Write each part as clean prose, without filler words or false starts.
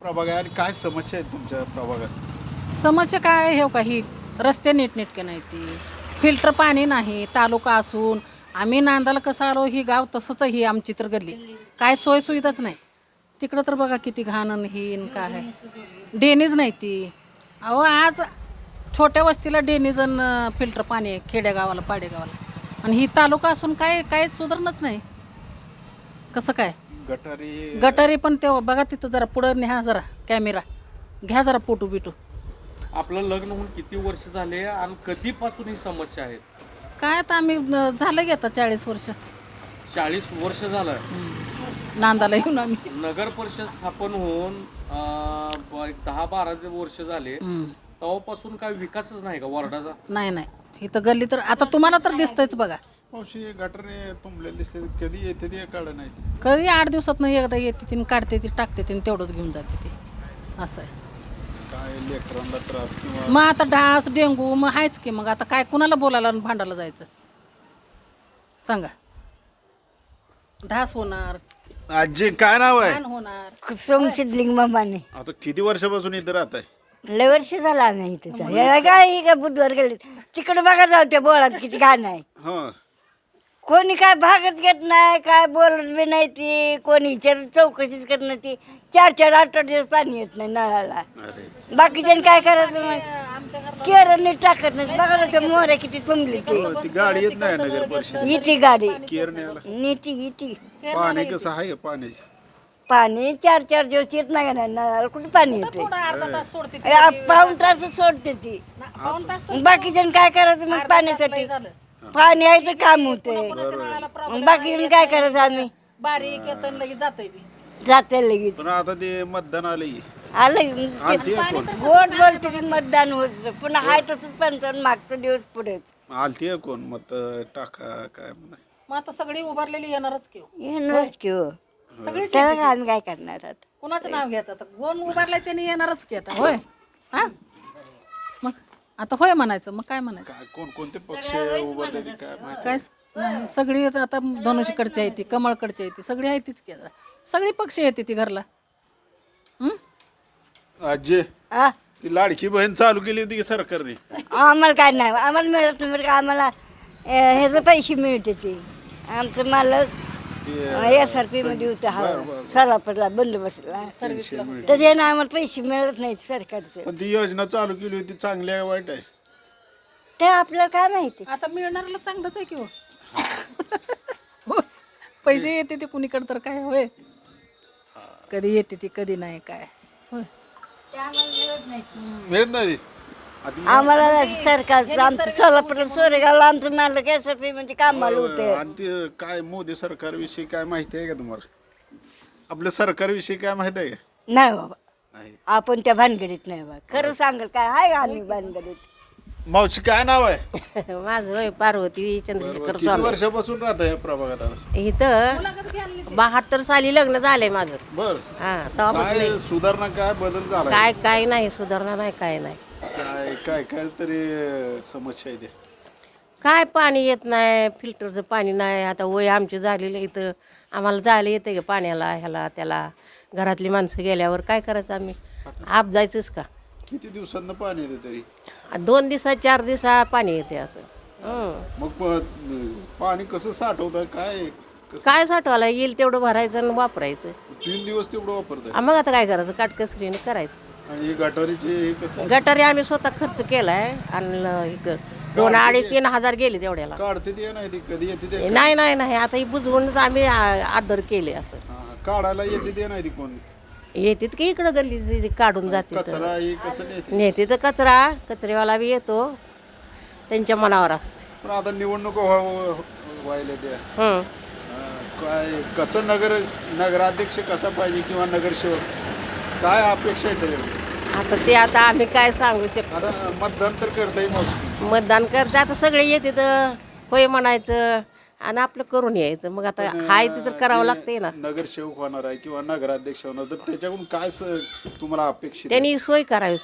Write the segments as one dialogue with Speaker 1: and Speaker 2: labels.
Speaker 1: प्रभाग आहे आणि काय समस्या आहेत तुमच्या प्रभागात?
Speaker 2: समस्या काय आहे हो का ही रस्ते नीटनेटके नाही ती फिल्टर पाणी नाही तालुका असून आम्ही नांदाला कसं आलो ही गाव तसंच ही आमची तर गल्ली काय सोयसुविधाच नाही तिकडं तर बघा किती घाण आणि ही आणि काय आहे डेनीज नाही ती अहो आज छोट्या वस्तीला डेनीज आणि फिल्टर पाणी आहे खेडेगावाला पाडेगावाला आणि ही तालुका असून काय काय सुधारणच नाही कसं काय
Speaker 1: गटारी
Speaker 2: गटारी पण ते बघा तिथं जरा पुढं न्या जरा कॅमेरा घ्या जरा फोटो बिटू
Speaker 3: आपलं लग्न होऊन किती वर्ष झाले आणि कधीपासून ही समस्या आहे?
Speaker 2: काय आता आम्ही झालं की आता 40 वर्ष
Speaker 3: 40 वर्ष झालं.
Speaker 2: नांदाला येऊन आम्ही
Speaker 3: नगर परिषद स्थापन होऊन एक 10-12 वर्ष झाले. तेव्हापासून काय विकासच नाही का वार्डाचा?
Speaker 2: नाही नाही इथं गल्ली तर आता तुम्हाला तर दिसतंयच बघा
Speaker 1: मावशी गटारी तुंबलेले दिसते कधी येते ते काढ नाही
Speaker 2: कधी 8 दिवसात एकदा येते ती काढते ती टाकते ती तेवढंच घेऊन जाते ती असं आहे
Speaker 1: काय लेकरांना त्रास किंवा
Speaker 2: मग आता डास डेंगू मग आहेच की मग आता काय कुणाला बोलायला आणि भांडायला जायचं सांगा ढास होणार
Speaker 1: आजी काय नाव आहे?
Speaker 2: घाण होणार
Speaker 4: कुसुम सिद्धलिंग मामाने
Speaker 1: आता किती वर्षापासून इथं राहत आहे?
Speaker 4: लय वर्ष झाला आम्ही इथेच आहे. काय ही काय बुधवार गेले तिकडे बघा जाऊ त्या बोळात किती घाण आहे
Speaker 1: हं
Speaker 4: कोणी काय भागत घेत नाही काय बोलत बी नाही ती कोणी विचार चौकशीच करत नाही ती 4-4 दिवस पाणी येत नाही नळाला
Speaker 1: अरे
Speaker 4: बाकीच्यानं काय करायचं मग केरळ नीट टाकत नाही बघा ना त्या मोहऱ्या किती तुंबली ती
Speaker 1: हो, ती गाडी येत नाही नगर परिषद
Speaker 4: इथे गाडी
Speaker 1: केअर न्यायला
Speaker 4: नीती इथे
Speaker 1: पाणी कसं आहे का पाण्याची?
Speaker 4: पाणी 4-4 दिवस येत नाही ना नळाला कुठे पाणी येते
Speaker 2: थोडा अर्धा तास सोडते ती.
Speaker 4: पाऊण तास सोडते ती
Speaker 2: पाऊण तास तर
Speaker 4: बाकीच्यानं काय करायचं मग पाण्यासाठी
Speaker 2: झालं
Speaker 4: पाणी आहे तर काम होते
Speaker 2: कोणाच्या नळाला प्रॉब्लेम
Speaker 4: बाकीच्यानं काय करायचं आम्ही
Speaker 2: बारीक येतं आणि लगेच जातंय बी
Speaker 4: जाते लगेच
Speaker 1: पण आता ते मतदान आले
Speaker 4: आलं
Speaker 1: आलती कोण?
Speaker 4: गोड बोलते की मतदान होत पुन्हा हाय तसंच पंचावन्न मागचा दिवस पुढेच
Speaker 1: आलती कोण मत टाका काय म्हणा
Speaker 2: मग आता सगळी उभारलेली येणारच की हो.
Speaker 4: येणारच की हो
Speaker 2: सगळीच
Speaker 4: त्याला
Speaker 2: येते
Speaker 4: काय आम्ही काय करणार आहात
Speaker 2: की. कुणाचं नाव घ्यायचं आता कोण उभारलाय त्याने येणारच की आता होय हा मग आता होय म्हणायचं मग काय म्हणायचं
Speaker 1: काय कोणते पक्ष उभारले ते काय माहिती?
Speaker 2: काय नाही सगळी आता धनुष्यकडची आहे ती कमळकडची आहे ती सगळी आहे तीच की आता सगळी पक्ष येते ती घरला
Speaker 1: आजी
Speaker 4: आ?
Speaker 1: ती लाडकी बहीण चालू केली होती की सरकारने?
Speaker 4: आम्हाला काय नाही आम्हाला मिळत नाही का आम्हाला ह्याचे पैसे मिळते ते आमचं मालक SRP मध्ये होतं हा सरापडला बंद बसला तर त्यानं आम्हाला पैसे मिळत नाहीत सरकारचे
Speaker 1: पण ती योजना चालू केली होती चांगली आहे वाईट आहे?
Speaker 4: ते आपल्याला काय माहिती
Speaker 2: आता मिळणाऱ्याला चांगलंच आहे की हो हो. पैसे येते ते कुणीकडे तर काय होय कधी येते ती कधी नाही काय होय
Speaker 1: मिळत नाही ती?
Speaker 4: आम्हाला सरकारचं आमचं सोलापूर सोरेगावला आमचं मालक SRP मध्ये कामाला होते
Speaker 1: आणि ते काय मोदी सरकारविषयी काय माहिती आहे का तुम्हाला? आपल्या सरकारविषयी काय माहिती आहे का?
Speaker 4: नाही बाबा
Speaker 1: नाही.
Speaker 4: आपण त्या भानगडीत नाही बाबा खरं सांगाल काय आहे का आम्ही भानगडीत
Speaker 1: मावशी काय नाव आहे?
Speaker 5: माझं होय पार्वती चंद्रशेखर
Speaker 1: किती वर्षापासून राहत आहे या प्रभागात आता?
Speaker 5: इथं 72 साली लग्न झालंय माझं.
Speaker 1: बर
Speaker 5: हा तेव्हापासून
Speaker 1: काय सुधारणा काय बदल झाला?
Speaker 5: काय काय नाही सुधारणा नाही काय नाही
Speaker 1: काय काय काय तरी समस्या आहे ते?
Speaker 5: काय पाणी येत नाही फिल्टरचं पाणी नाही आता वय आमची झालेलं इथं आम्हाला जायला येते का पाण्याला ह्याला त्याला घरातली माणसं गेल्यावर काय करायचं आम्ही आप जायचंच का
Speaker 1: किती दिवसांना पाणी येते तरी?
Speaker 5: 2 दिवसात 4 दिवसा पाणी येते असं
Speaker 1: मग पाणी कसं साठवत काय कसं?
Speaker 5: काय साठवायला येईल तेवढं भरायचं आणि वापरायचं
Speaker 1: 3 दिवस तेवढं वापरताय
Speaker 5: मग आता काय करायचं काटकसरीने करायचं
Speaker 1: आणि गटारीचे हे कसं
Speaker 5: गटारी आम्ही स्वतः खर्च केलाय आणि 2-2.5-3 हजार गेले तेवढ्याला
Speaker 1: काढते ते नाही ती कधी येते ते?
Speaker 5: नाही नाही नाही आता ही बुजवूनच आम्ही आदर केले असं
Speaker 1: हा, काढायला येते ते नाही ती कोण?
Speaker 5: येतात की इकडं गल्ली काढून जाते
Speaker 1: कचरा हे कसं नेते?
Speaker 5: नेते तर कचरेवाला बी येतो त्यांच्या मनावर असतं
Speaker 1: पण आता निवडणूक व्हायला त्या
Speaker 5: हं.
Speaker 1: काय कसं नगराध्यक्ष कसा पाहिजे किंवा नगरसेवक काय अपेक्षा आहे त्याच्याकडे?
Speaker 5: आता आम्ही काय सांगू शकतो
Speaker 1: आता मतदान तर करता येईल
Speaker 5: मतदान करते आता सगळे येते तर होय म्हणायचं आणि आपलं करून यायचं मग आता हाय ते तर करावं लागतंय ना
Speaker 1: नगरसेवक होणार आहे किंवा नगराध्यक्ष होणार तर त्याच्याकडून काय तुम्हाला अपेक्षित आहे?
Speaker 5: त्यांनी सोय करावी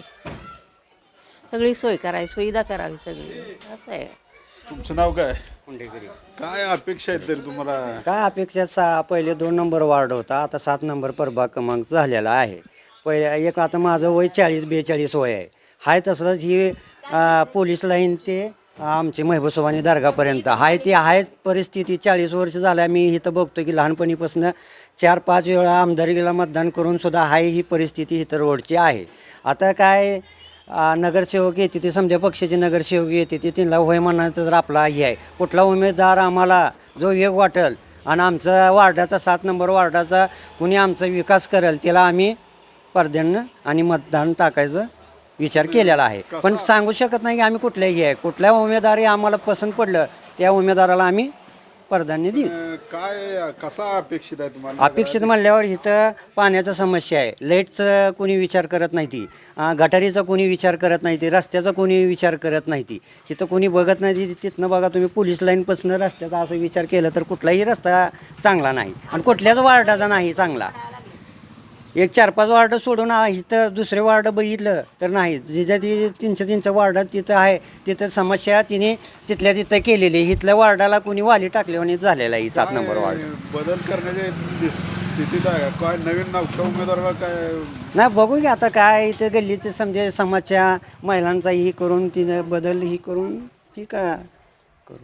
Speaker 5: सगळी सोय करावी सुविधा करावी सगळी असं आहे
Speaker 1: तुमचं नाव काय? काय अपेक्षा आहेत तरी तुम्हाला?
Speaker 6: काय अपेक्षा पहिले 2 नंबर वार्ड होता आता 7 नंबर प्रभाग क्रमांक झालेला आहे एक आता माझं वय 40-42 वय आहे. हाय तसंच ही पोलीस लाईन ते आमची महबूबसोबानी दर्गापर्यंत हाय ती आहे परिस्थिती. 40 वर्ष झाल्या मी इथं बघतो की लहानपणीपासून 4-5 वेळा आमदारकीला मतदान करून सुद्धा हाय ही परिस्थिती इथं रोडची आहे. आता काय नगरसेवक येते ते समजा पक्षाचे नगरसेवक येते ते त्यांना होय म्हणायचं तर आपला हे आहे. कुठला उमेदवार आम्हाला जो योग वाटेल आणि आमचा वार्डाचा 7 नंबर वार्डाचा कुणी आमचा विकास करेल त्याला आम्ही पडद्यानं आणि मतदान टाकायचं विचार केलेला आहे. पण सांगू शकत नाही की आम्ही कुठल्याही आहे. कुठल्या उमेदवारी आम्हाला पसंत पडलं त्या उमेदवाराला आम्ही पडद्याने देईल.
Speaker 1: काय कसा अपेक्षित आहे तुम्हाला?
Speaker 6: अपेक्षित म्हणल्यावर इथं पाण्याचा समस्या आहे. लाईटचं कोणी विचार करत नाही ती, गटारीचा कोणी विचार करत नाही ती, रस्त्याचा कोणी विचार करत नाही ती, इथं कोणी बघत नाही ती. तिथनं बघा तुम्ही पोलीस लाईनपासून रस्त्याचा असं विचार केला तर कुठलाही रस्ता चांगला नाही आणि कुठल्याच वार्डाचा नाही चांगला. एक 4-5 वार्ड सोडून इथं दुसरे वार्ड बघितलं तर नाही. जिथं ती तीनच्या वार्डात तिथं आहे तिथं समस्या तिने तिथल्या तिथं केलेली. इथल्या वार्डाला कोणी वाली टाकल्याने झालेला आहे 7 नंबर वार्ड.
Speaker 1: बदल करण्याच्या स्थितीत आहे का? काय नवीन नवख्या उमेदवाराला काय?
Speaker 6: नाही बघू की आता काय इथं गल्लीचे समजे समाजच्या महिलांचा ही करून तिनं बदल ही करून ही का करू.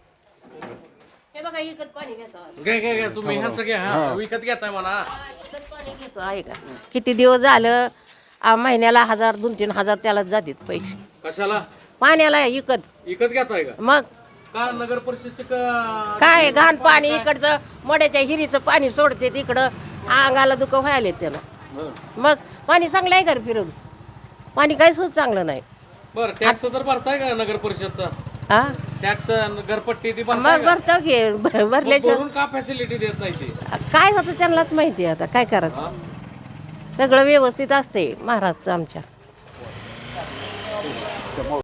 Speaker 5: हे बघा इकत पाणी घेतो
Speaker 3: घ्या तुम्ही ह्यांचं घ्या. हा, विकत घेताय म्हणा.
Speaker 5: पाणी घेतो आहे का. किती दिवस झालं महिन्याला 1000 2-3 हजार त्याला जातात पैसे
Speaker 3: कशाला
Speaker 5: पाण्याला
Speaker 3: विकत घेताय का?
Speaker 5: मग
Speaker 3: का नगर परिषदचे
Speaker 5: काय घाण पाणी इकडचं मड्याच्या हिरीचं पाणी सोडते तिकडं अंगाला दुःख व्हायला त्याला. मग पाणी चांगलं आहे का रे फिरवून? पाणी काहीच चांगलं नाही.
Speaker 3: बरं टॅक्स तर भरताय का नगर परिषदचा?
Speaker 5: हा
Speaker 3: टॅक्स घरपट्टी ती
Speaker 5: मग
Speaker 3: भरताय का?
Speaker 5: भरतो की भरल्याशिवाय
Speaker 3: भरून का फॅसिलिटी देत नाही ती?
Speaker 5: काय होतं त्यांनाच माहिती आहे. आता काय करायचं. सगळं व्यवस्थित असते महाराजचं आमच्या.